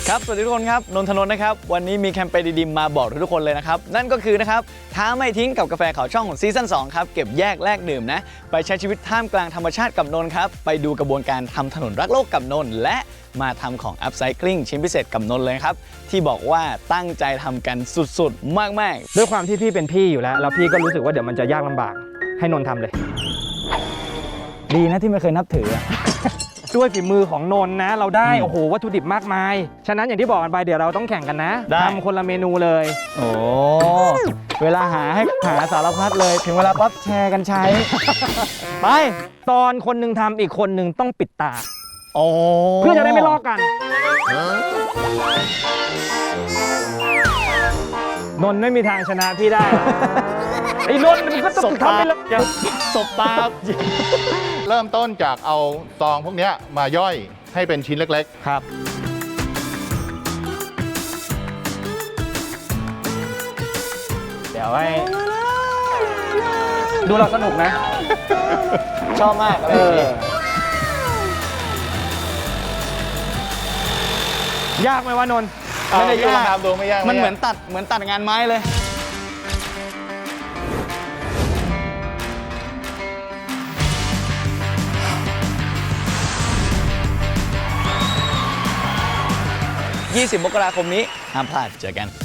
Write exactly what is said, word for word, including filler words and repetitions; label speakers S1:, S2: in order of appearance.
S1: ครับสวัสดีทุกคนครับนนทนนท์นะครับวันนี้มีแคมเปญดีๆมาบอกทุกคนเลยนะครับนั่นก็คือนะครับท้าไม่ทิ้งกับกาแฟขาวช่องของซีซั่นสองครับเก็บแยกแลกดื่มนะไปใช้ชีวิตท่ามกลางธรรมชาติกับนนท์ครับไปดูกระบวนการทำถนนรักโลกกับนนท์และมาทำของอัพไซคลิงชิ้นพิเศษกับนนท์เลยครับที่บอกว่าตั้งใจทำกันสุดๆมากๆ
S2: ด้วยความที่พี่เป็นพี่อยู่แล้วแล้วพี่ก็รู้สึกว่าเดี๋ยวมันจะยากลำบากให้นนท์ทำเลย
S1: ดีนะที่ไม่เคยนับถือ
S2: ด้วยฝีมือของนนท์นะเราได้โอ้โหวัตถุดิบมากมายฉะนั้นอย่างที่บอกกันไปเดี๋ยวเราต้องแข่งกันนะทำคนละเมนูเลย
S1: โอ้เวลาหาให้หาสารพัดเลยถึงเวลาปั๊บแชร์กันใช้
S2: ไปตอนคนหนึ่งทำอีกคนหนึ่งต้องปิดตา
S1: โอ้
S2: เพื่อจะได้ไม่ลอกกันนนท์ไม่มีทางชนะพี่ได้ไอ้นนท์มันก็ต้องทำไปเลย
S1: สบตา
S3: เริ่มต้นจากเอาซองพวกนี้มาย่อยให้เป็นชิ้นเล็ก
S2: ๆครับเดี๋ยวให้ดูเราสนุกนะ
S1: ชอบมากเอ
S2: อยากไหมวะนนท์
S1: ไม่ได้ยาก
S3: ดูไม่ยาก
S1: มันเหมือนตัดเหมือนตัดงานไม้เลยยี่สิบมกราคมนี้ห้ามพลาดเจอกัน